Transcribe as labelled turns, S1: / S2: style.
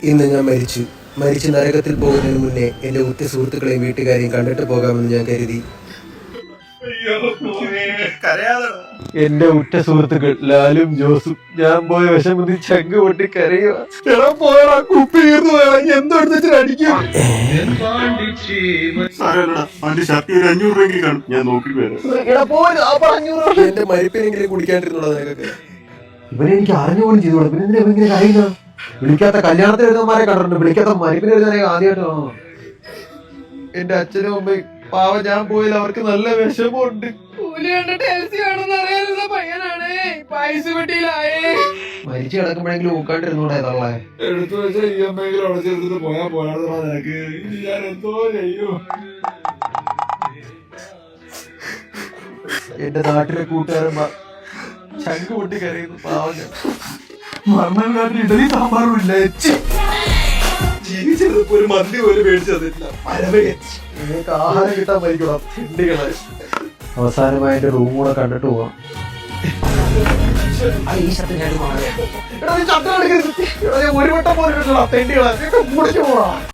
S1: ഇന്ന് ഞാൻ മരിച്ച് നരകത്തിൽ പോകുന്നതിന് മുന്നേ എൻ്റെ ഉറ്റ സുഹൃത്തുക്കളെയും വീട്ടുകാരെയും കണ്ടിട്ട് പോകാമെന്ന് ഞാൻ കരുതി. എന്റെ ഉറ്റ സുഹൃത്തുക്കൾ ലാലും ജോസും ഞാൻ പോയ വിഷമത്തിൽ ചങ്ക് പൊട്ടി കരയുക. എന്റെ മരിപ്പിനെങ്കിലും കുടിക്കാണ്ടിരുന്നുള്ളത് നിനക്കൊക്കെ. ഇവനെ എനിക്ക് അറിഞ്ഞുപോലും ചെയ്തോളൂ. പിന്നെ എന്തിനാ ഇവങ്ങനെ കരയുക? വിളിക്കാത്ത കല്യാണത്തിന് എഴുതുന്നമാരെ കണ്ടിട്ടുണ്ട്, വിളിക്കാത്ത മരിപ്പിന് എഴുതാനേ ആദ്യമായിട്ട് കാണുന്നു. എന്റെ അച്ഛനും അമ്മയും പാവം ഞാൻ പോയാൽ അവർക്ക് നല്ല വിഷമമുണ്ട്. മരിച്ചു കിടക്കുമ്പോഴെങ്കിലും ഊക്കാണ്ടിരുന്നൂടെ തള്ളേ.
S2: എടുത്തു വെച്ച EMI അടച്ചെടുത്തിട്ട് പോയാ പോയാ നിനക്ക് ഞാൻ എന്തോ ചെയ്യും.
S1: എന്റെ നാട്ടിലെ കൂട്ടുകാരൻ ചങ്ക് പൊട്ടി കരയുന്നു. പാവം
S2: മരണം കാട്ടിൽ ഇഡലി സാമ്പാറും ഇല്ല. ജീവിച്ചെടുത്തപ്പോ ഒരു മന്തി പോലും മേടിച്ചതില്ല.
S1: നിങ്ങൾക്ക് ആഹാരം കിട്ടാൻ മരിക്കണം ചെണ്ടികളെ. അവസാനമായി എന്റെ റൂം കൂടെ കണ്ടിട്ട് പോവാം. ഒരു വട്ടം പോലും കിട്ടണം തെണ്ടികളെ.